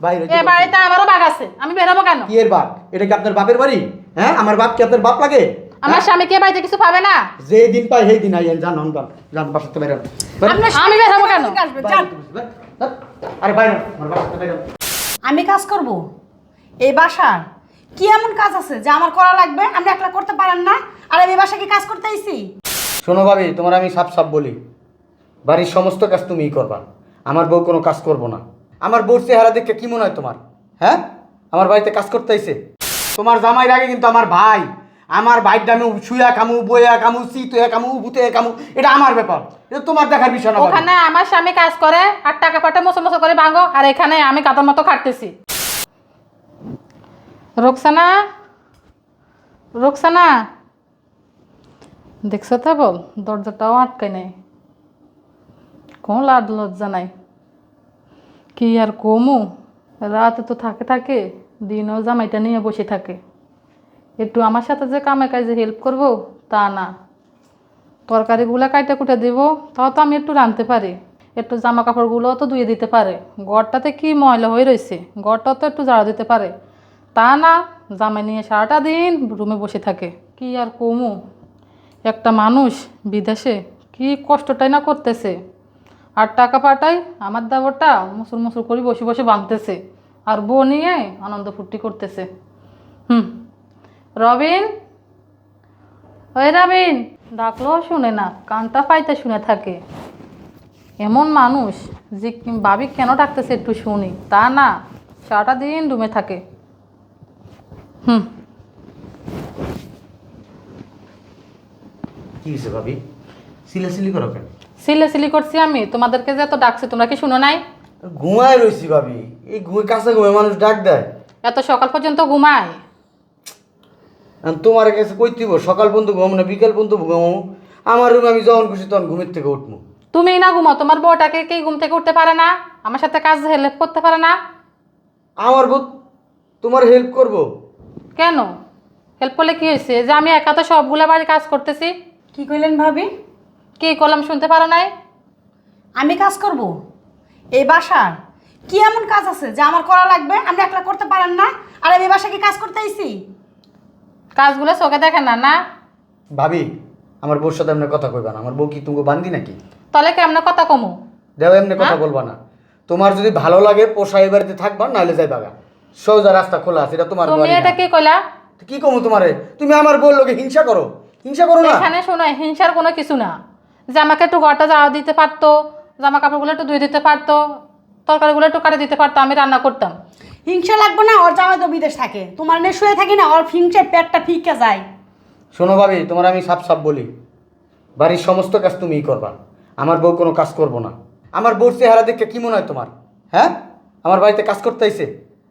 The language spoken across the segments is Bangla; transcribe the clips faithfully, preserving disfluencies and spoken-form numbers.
বাইরে এই বাড়িতে আমারও বাঘ আছে, আমি বেরোবো কেন? কি এর বাপ? এটা কি আপনার বাপের বাড়ি? হ্যাঁ, আমার বাপ কি আপনার বাপ লাগে? আমার স্বামী কে বাড়িতে কিছু পাবে না? যে দিন পাই সেই দিন আইয়েন, জান অন্তন জান বাসাতে বাইরে। আমি বেরোবো কেন? আরে বাইরে আমার বাসাতে বাইরে। আমি কাজ করব এই বাসার? কি এমন কাজ আছে যে আমার করা লাগবে? আপনি একলা করতে পারেন না? আর আমি এই বাসায় কি কাজ করতে আইছি? শোনো ভাবি, তোমার আমি সাপ সাপ বলি, বাড়ির সমস্ত কাজ তুমিই করবা, আমার বউ কোনো কাজ করবো না। আমার বউর চেহারা দেখে কি মনে হয় তোমার? হ্যাঁ, আমার বাড়িতে কাজ করতে আইছে? তোমার জামাইয়ের আগে কিন্তু আমার ভাই, আমার ভাইয়ের দামে শুয়া কামু, বইয়া কামু, চিতুয়া কামু, ভূতে কামু, এটা আমার ব্যাপার, এটা তোমার দেখার বিষয় না। ওখানে আমার স্বামী কাজ করে আর টাকা পাঠা মশো মশো করে ভাঙো, আর এখানে আমি কাতার মতো খাটতেছি। রোকসানা, রোকসানা, দেখছো তো বল, দরজাটাও আটকায় নাই, কোন লাড লজ্জা নাই। কি আর কমু, রাতে তো থাকে থাকে, দিনও জামাইটা নিয়ে বসে থাকে। একটু আমার সাথে যে কামে কাজে হেল্প করবো তা না, তরকারিগুলো কাইটা কুটে দিব, তাও তো আমি একটু রাঁধতে পারি, একটু জামা কাপড়গুলোও তো ধুয়ে দিতে পারে, ঘরটাতে কি ময়লা হয়ে রয়েছে, ঘরটাও তো একটু ঝাড়া দিতে পারে, তা না, জামাই নিয়ে সারাটা দিন রুমে বসে থাকে। কি আর কমু, একটা মানুষ বিদেশে কি কষ্টটাই না করতেছে, আর টাকা পাঠাই আমার দাবরটা মুসুর মুসুর করে বসে বসে বাঁধতেছে, আর বউ নিয়ে আনন্দ ফুর্তি করতেছে। হুম, রবিন, ওই রবিন, ডাকলেও শুনে না, কানটা পাইতে শুনে থাকে। এমন মানুষ যে ভাবি কেন ডাকতেছে একটু শুনি, তা না, সারাটা দিন রুমে থাকে। হুম, কি হয়েছে ভাবি, সিলাসিলি করো কেন? সিলে সিলি করছি আমি, তোমাদেরকে যে এত ডাকছে তোমরা কি শুনো নাই? ঘুমায় রয়েছি ভাবি, এই ঘুমে কাছে ঘুমে মানুষ ডাক দেয়? এত সকাল পর্যন্ত ঘুমায়? আর তোমার কাছে কই দিব, সকাল পর্যন্ত ঘুমাবো না বিকাল পর্যন্ত ঘুমাবো? আমার রুমে আমি যখন খুশি তখন ঘুমের থেকে উঠবো। তুমি না ঘুমাও, তোমার বউটাকে কি ঘুম থেকে উঠতে পারে না? আমার সাথে কাজ হেল্প করতে পারে না? আমার বউ তোমার হেল্প করবো? কেন হেল্প করলে কি হয়েছে, যে আমি একা তো সবগুলা বাড়ি কাজ করতেছি। কি কইলেন ভাবি? কি করলাম শুনতে পারো নাই? আমি কাজ করব এই বাসার? কি এমন কাজ আছে যে আমার করা লাগবে? আপনি একলা করতে পারেন না? আর আমি এই বাসায় কি কাজ করতে আইছি? কাজগুলো চোখে দেখেন না না? ভাবি, আমার বউর সাথে এমনি কথা কইবা না, আমার বউ কি তুমি বান্দি নাকি? তাহলে কেমনে কথা কমু? দেও এমনি কথা বলবা না। তোমার যদি ভালো লাগে পোষাই বাড়িতে থাকবা, নাহলে যাই বাগা, সোজা রাস্তা খোলা আছে, এটা তোমার তুমি বাড়ি এটা না। কি কইলা? কি কমু তোমারে? তুমি আমার বউর লোকে হিংসা করো, হিংসা করো না? এখানে শোনো, হিংসার কোনো কিছু না, যে আমাকে একটু ঘরটা ঝাড়া দিতে পারতো, জামা কাপড়গুলো একটু ধুয়ে দিতে পারতো, তরকারিগুলো একটু কাটে দিতে পারতো, আমি রান্না করতাম। হিংসা লাগবে না, ওর জামাই তো বিদেশ থাকে, তোমার নে শুয়ে থাকি না, ওর হিংসায় পেটটা ফিকে যায়। শোনো ভাবি, তোমার আমি সাপ সাপ বলি, বাড়ির সমস্ত কাজ তুমিই করবা, আমার বউ কোনো কাজ করবো না। আমার বউর চেহারা দেখে কি মনে হয় তোমার? হ্যাঁ, আমার বাড়িতে কাজ করতে আইছে?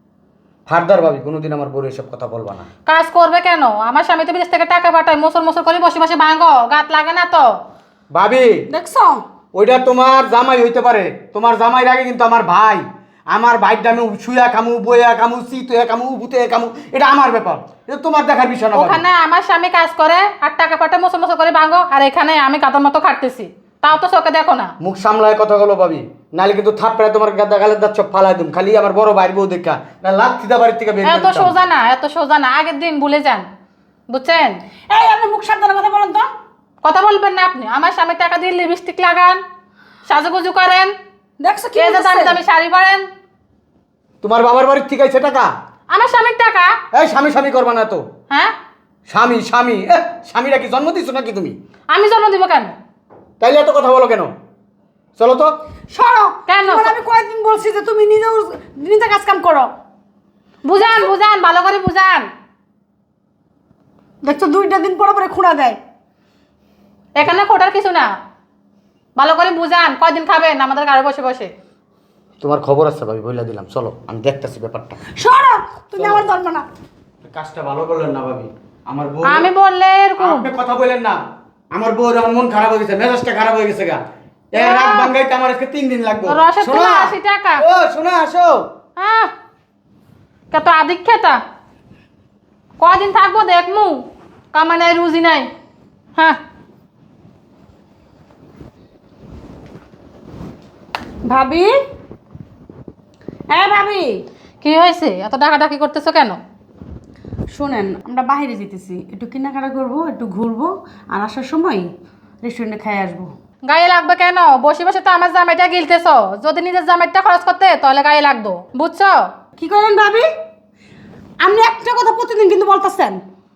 ফারদার ভাবি, কোনোদিন আমার বউর এসব কথা বলবা না। কাজ করবে কেন? আমার স্বামী তো বিদেশ থেকে টাকা পাঠায়, মোসর মোসর করে বসে বসে ভাঙো, গাত লাগে না তো? ভাবি, দেখছো? ওইটা তোমার জামাই হইতে পারে, তোমার জামাইয়ের আগে কিন্তু আমার ভাই, আমার ভাইয়ের দামে শুয়া কামু, বইয়া কামু, চিতুয়া কামু, ভূতে কামু, এটা আমার ব্যাপার, এটা তোমার দেখার বিষয় না। ভাবি, ওখানে আমার স্বামী কাজ করে আর টাকা পাঠায় মোসর মোসর করে ভাঙো, আর এখানে আমি কাতার মতো খাটতেছি, তাও তো চোখে দেখো না? মুখ সামলায় কথা বলো ভাবি, নাহলে কিন্তু থাপড়ায় তোমার গাদা গালের দাঁত সব ফালাই দিম, খালি আমার বড় ভাইয়ের বউ দেখা না লাখ থিদা বাড়ির থেকে বের করে এত দিতাম। সোজা না, এত সোজা না, আগের দিন ভুলে যান, বুঝছেন? এই আপনি মুখ সাবধানে কথা বলেন তো। কথা বলবেন না আপনি, আমার স্বামী টাকা দিয়ে লিপস্টিক লাগান, সাজুগুজু করেন, দেখছো কি কে যে দামি বলতেছে? দামি শাড়ি পরেন। তোমার বাবার বাড়ির থেকে আইছে টাকা? আমার স্বামীর টাকা? এই স্বামী স্বামী করবা না তো। হ্যাঁ, স্বামী স্বামী এ, স্বামীরা কি জন্ম দিছো নাকি তুমি? আমি জন্ম দিব কেন? তাইলে এত কথা বলো কেন? চলো তো। সরো। কেন? তোমার আমি কয়েকদিন বলছি যে তুমি নিজেও নিজে কাজ কাম করো। বুঝান বুঝান, ভালো করে বুঝান। দেখছো দুইটা দিন পরে পরে খুঁড়া দেয়। এখানে খোটার কিছু না, ভালো করে বুঝান। কয়দিন খাবেন আমাদের ঘরে বসে বসে? তোমার খবর আছে ভাবি, বইলা দিলাম, চলো আমি দেখতেছি ব্যাপারটা। সরো, তুমি আমার ধরবে না। কাজটা ভালো করলেন না ভাবি, আমার বউ। আমি বললে এরকম আপনি কথা বলেন না, আমার বউর আমার মন খারাপ হয়ে গেছে, মেজাজটা খারাপ হয়ে গেছে গা। এ রাত ভাঙাইতে আমার আজকে তিন দিন লাগবে। রসের শোনো তেলে আশি টাকা। ও শোনা, আসো। হ্যাঁ, কত আদিক খেতা, কদিন থাকবো দেখমু, কামা নাই রুজি নাই। হ্যাঁ, ভাবি, হ্যাঁ ভাবি, কি হয়েছে? এত ডাকাডাকি করতেছো কেন? শোনেন, আমরা বাইরে যেতেছি, একটু কেনাকাটা করব, একটু ঘুরবো, আর আসার সময় রেস্টুরেন্টে খাই আসবো। গায়ে লাগবে কেন? বসে বসে তো আমার জামাইটা গিলতেছো। যদি নিজের জামাইটা খরচ করতে তাহলে গায়ে লাগতো, বুঝছো? কি করেন ভাবি? আপনি একটা কথা প্রতিদিন কিন্তু বলতেছেন।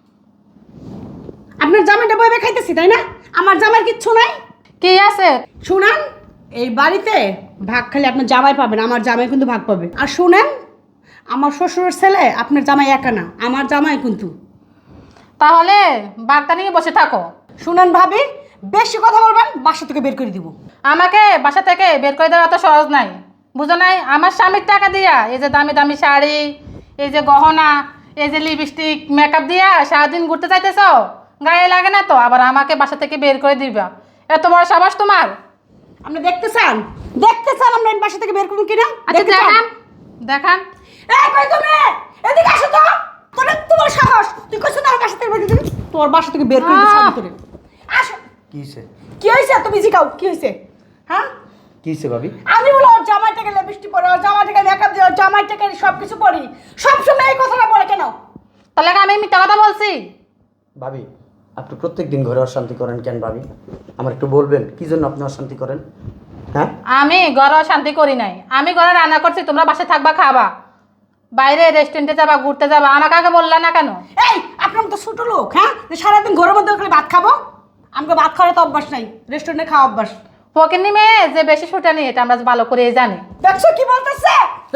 আপনার জামাইটা বইবে খাইতেছি, তাই না? আমার জামাইয়ের কিচ্ছু নাই। কি আছে? শুনেন, এই বাড়িতে ভাগ খালি আপনার জামাই পাবেন, আমার জামাই কিন্তু ভাগ পাবে। আর শুনেন, আমার শ্বশুরের ছেলে আপনার জামাই একা না, আমার জামাই কিন্তু। তাহলে বাগদা নিয়ে বসে থাকো। শুনেন ভাবি, বেশি কথা বলবেন, বাসা থেকে বের করে দিব। আমাকে বাসা থেকে বের করে দেওয়া তো সহজ নাই, বুঝো নাই? আমার স্বামীর টাকা দিয়া এই যে দামি দামি শাড়ি, এই যে গহনা, এই যে লিপস্টিক, মেকআপ দিয়া সারাদিন ঘুরতে চাইতেছ, গায়ে লাগে না তো? আবার আমাকে বাসা থেকে বের করে দিবা? এত বড় সাবাস তোমার? আপনি দেখতে চান? দেখতে চান আমরা এই বাসা থেকে বের করুন কিনা? আচ্ছা দেখতে চান? দেখান, দেখান। এই কই তুমি? এদিকে আসো তো। তোর তোমার সাহস, তুই কইছ না আমার বাসা থেকে বের করে দিবি? তোর বাসা থেকে বের করে দিছ আমি তোরে। আসো। কি হয়েছে? কি হইছে? তুমি জিগাও কি হইছে? হ্যাঁ? কি হয়েছে ভাবি? আমি বলো ওর জামাই থেকে লিপস্টিক পরে, ওর জামাই থেকে মেকআপ দিয়ে, ওর জামাই থেকে সব কিছু পরি। সবসময় এই কথাটা বলে কেন? তাহলে কি আমি মিথ্যা কথা বলছি? ভাবি, আপনি প্রত্যেক দিন ঘরে অশান্তি করেন কেন ভাবি? আমার একটু বলবেন কি জন্য আপনি অশান্তি করেন? হ্যাঁ, আমি ঘরে শান্তি করি নাই। আমি ঘরে রান্না করছি, তোমরা বাসায় থাকবা, খাবা, বাইরে রেস্টুরেন্টে যাবা, ঘুরতে যাবা। আমাকে আগে বললা না কেন? এই আপনার মতো ছোট লোক, হ্যাঁ, যে সারাদিন ঘরের মধ্যে খালি ভাত খাবো? আমাকে ভাত খাওয়ার তো অভ্যাস নাই, রেস্টুরেন্টে খাওয়া অভ্যাস। ফকিন্নি মেয়ে যে বেশি ছুটানি, এটা আমরা ভালো করে জানি। দেখছো কি বলতেছে?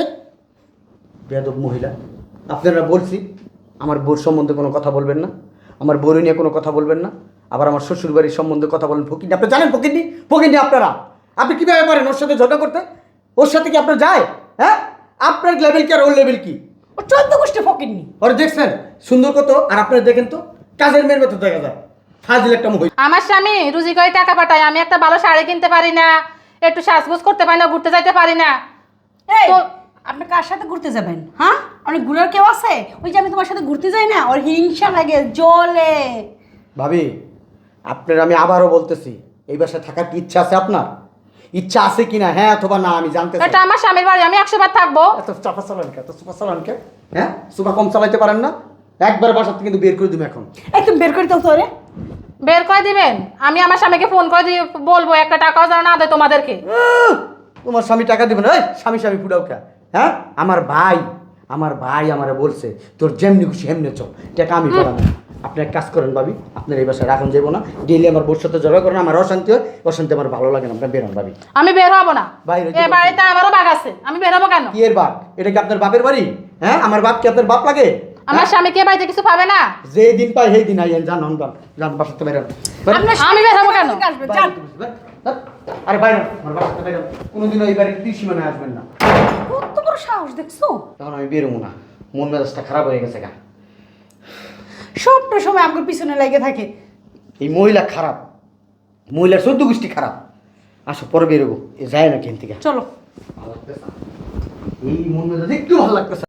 বেয়াদব মহিলা, আপনারা বলছি আমার বউর সম্বন্ধে কোনো কথা বলবেন না, আমার বউর নিয়ে কোনো কথা বলবেন না, আবার আমার শ্বশুর বাড়ির সম্বন্ধে কথা বলেন। ফকিনি, আপনি জানেন ফকিনি? ফকিনি আপনারা, আপনি কীভাবে পারেন ওর সাথে ঝগড়া করতে? ওর সাথে কি আপনার যায়? হ্যাঁ, আপনার লেভেল কি আর ওর লেভেল কি? ও চোদ্দ গোষ্ঠী ফকিরনি। ওর দেখছেন সুন্দর কত, আর আপনারা দেখেন তো কাজের মেয়ের মতো দেখা যায়, ফাজিল একটা মহিলা। আমার স্বামী রুজি করে টাকা পাঠায়, আমি একটা ভালো শাড়ি কিনতে পারি না, একটু সাজগোজ করতে পারি না, ঘুরতে যাইতে পারি না। এই তো আপনি কার সাথে ঘুরতে যাবেন? হ্যাঁ, অনেক ঘুরার কেউ আছে? ওই যে আমি তোমার সাথে ঘুরতে যাই না, ওর হিংসা লাগে, জ্বলে। ভাবি, আপনার আমি আবারও বলতেছি, এই বাসায় থাকার কি ইচ্ছা আছে আপনার? ইচ্ছা আছে কিনা, হ্যাঁ অথবা না, আমি জানতে চাই। এটা আমার স্বামীর বাড়ি, আমি একশো বার থাকবো। এত চাপা চালান কে, এত সুপা চালান কে? হ্যাঁ, সুপা কম চালাইতে পারেন না? একবার বাসার থেকে কিন্তু বের করে দিবো এখন। এই তুমি বের করে দাও তো রে। বের করে দিবেন? আমি আমার স্বামীকে ফোন করে দিয়ে বলবো একটা টাকাও যেন না দেয় তোমাদেরকে। আহ! তোমার স্বামী টাকা দিবে না? এই স্বামী স্বামী ফুটাও কে? হ্যাঁ, আমার ভাই, আমার ভাই আমারে বলছে তোর যেমনি খুশি হেমনে চল, টাকা আমি পালাম। আপনি এক কাজ করেন ভাবি, আপনার এই বাসায় রাখুন যাবো না, ডেইলি আমার বোর সাথে ঝগড়া করেন, আমার অশান্তি হয়, অশান্তি আমার ভালো লাগে না, আপনার বেরোন ভাবি। আমি বের হবো না, বাইরে এ বাড়িতে আমারও বাঘ আছে, আমি বের হবো কেন? কি এর বাপ? এটা কি আপনার বাপের বাড়ি? হ্যাঁ, আমার বাপ কি আপনার বাপ লাগে? আমার স্বামী কে বাড়িতে কিছু পাবে না? যে দিন পাই সেই দিন আইয়েন, জান হন জান বাসাতে বেরোন। আপনার আমি বের হবো কেন? আসবে, যান। আরে বাইরে আমার বাসাতে বেরোন, কোনোদিনও এই বাড়ির ত্রিসীমানায় আসবেন না। কত বড় সাহস দেখছো? তখন আমি বেরোবো না, মন মেজাজটা খারাপ হয়ে গেছে গা। সবটা সময় আমাকে পিছনে লেগে থাকে। এই মহিলা খারাপ, মহিলার চোদ্দ গোষ্ঠী খারাপ। আসো পরে বেরোবো, এ যায় না কেন থেকে। চলো। ভালো লাগতেছে না। এই মন মেজাজ একটু ভালো লাগতেছে